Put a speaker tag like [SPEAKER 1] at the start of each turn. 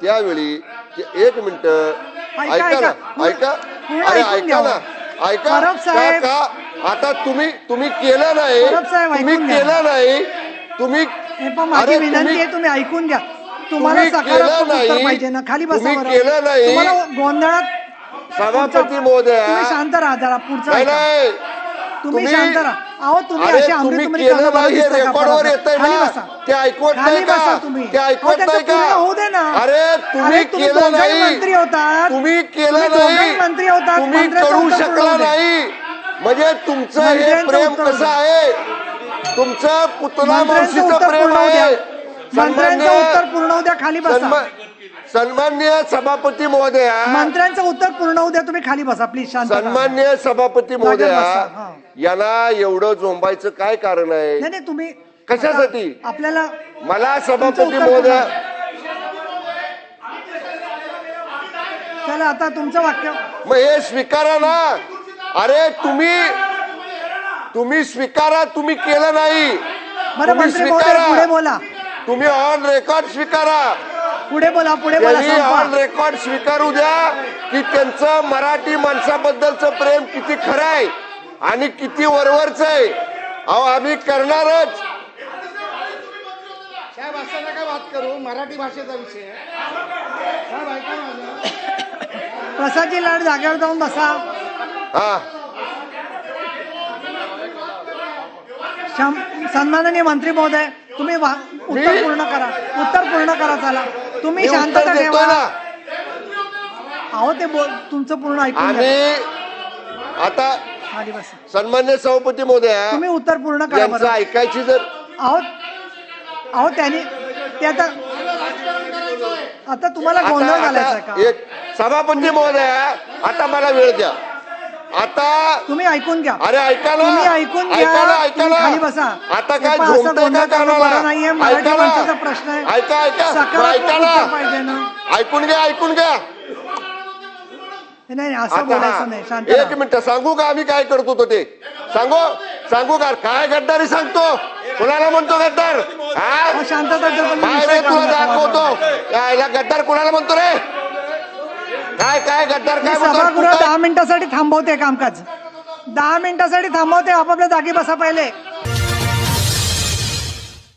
[SPEAKER 1] त्यावेळी एक मिनिट ऐका ना, ऐका, अरे ऐका ना, ऐका का आता तुम्ही केलं नाही, तुम्ही केलं नाही, तुम्ही
[SPEAKER 2] माझी विनंती आहे तुम्ही ऐकून घ्या. तुम्हाला सकारात्मक उत्तर पाहिजे ना, खाली बसा.
[SPEAKER 1] केलं नाही
[SPEAKER 2] तुम्हाला गोंधळात
[SPEAKER 1] सभापती महोदय
[SPEAKER 2] तुम्ही शांत राहा जरा. पुढचा
[SPEAKER 1] नाही
[SPEAKER 2] तुम्ही शांत राहा. अहो तुम्ही असे अमृतमणी
[SPEAKER 1] केलं नाही हे रेकॉर्डवर येतंय ना, ते ऐकवत नाही का? ते ऐकवत नाही का?
[SPEAKER 2] होऊ दे ना.
[SPEAKER 1] अरे तुम्ही केलं नाही,
[SPEAKER 2] मंत्री होता,
[SPEAKER 1] तुम्ही केलं नाही,
[SPEAKER 2] मंत्री होता,
[SPEAKER 1] तुम्ही करू शकला नाही. म्हणजे तुमचं हे प्रेम कसं आहे, तुमचं पुतला मावशीचं प्रेम आहे.
[SPEAKER 2] मंत्र्यांचं उत्तर पूर्ण होऊ द्या. खाली बसा.
[SPEAKER 1] सन्माननीय सभापती महोदया,
[SPEAKER 2] मंत्र्यांचं उत्तर पूर्ण होऊ द्या. तुम्ही खाली बसा प्लीज. शांत.
[SPEAKER 1] सन्माननीय सभापती महोदया, यांना एवढं झोंबायचं काय कारण आहे?
[SPEAKER 2] नाही तुम्ही
[SPEAKER 1] कशासाठी?
[SPEAKER 2] आपल्याला
[SPEAKER 1] मला सभापती महोदया,
[SPEAKER 2] चला आता तुमचं वाक्य.
[SPEAKER 1] मग हे स्वीकारा ना. अरे तुम्ही स्वीकारा, तुम्ही केलं नाही.
[SPEAKER 2] बरं मंत्री महोदय पुढे बोला.
[SPEAKER 1] तुम्ही ऑन रेकॉर्ड स्वीकारा.
[SPEAKER 2] पुढे बोला.
[SPEAKER 1] ऑन रेकॉर्ड स्वीकारू द्या की त्यांचं मराठी माणसाबद्दलचं प्रेम किती खरं आहे आणि किती वरवरच आहे. अहो आम्ही करणारच.
[SPEAKER 3] साहेब असं नका बात करू, मराठी भाषेचा विषय साहेब. ऐका माझं.
[SPEAKER 2] प्रसादजी लाड जागेवर जाऊन बसा.
[SPEAKER 1] हा
[SPEAKER 2] सन्माननीय मंत्री महोदय तुम्ही उत्तर पूर्ण करा. चला तुम्ही शांतता ठेवा. अहो ते तुमचं पूर्ण ऐकून
[SPEAKER 1] आम्ही आता
[SPEAKER 2] खाली बसा.
[SPEAKER 1] सन्मान्य सभापती महोदया,
[SPEAKER 2] तुम्ही उत्तर पूर्ण करा.
[SPEAKER 1] यांचं ऐकायची जर
[SPEAKER 2] अहो त्यांनी ते आता तुम्हाला गोंधळ घालायचा का?
[SPEAKER 1] एक सभापती महोदया, आता मला वेळ द्या. आता
[SPEAKER 2] तुम्ही ऐकून घ्या.
[SPEAKER 1] अरे ऐका ना,
[SPEAKER 2] तुम्ही ऐकून घ्या.
[SPEAKER 1] ऐका ना.
[SPEAKER 2] खाली बसा.
[SPEAKER 1] आता काय झोंबतंय का कानाला?
[SPEAKER 2] नाहीये. मराठी माणसाचा प्रश्न आहे.
[SPEAKER 1] ऐका
[SPEAKER 2] पाहिजे ना.
[SPEAKER 1] ऐकून घ्या.
[SPEAKER 2] नाही असं बोलायचं नाही. शांत.
[SPEAKER 1] एक मिनिट सांगू का आम्ही काय करतो तो ते सांगू का? काय गद्दारी सांगतो? कुणाला म्हणतो गद्दार?
[SPEAKER 2] शांतता
[SPEAKER 1] तुला दाखवतो. याला गद्दार कुणाला म्हणतो रे? काय गद्दार काय म्हणतो?
[SPEAKER 2] सभागृह 10 मिनिटासाठी थांबवते कामकाज. 10 मिनिटासाठी थांबवते. आपापल्या जागी बसा पहिले.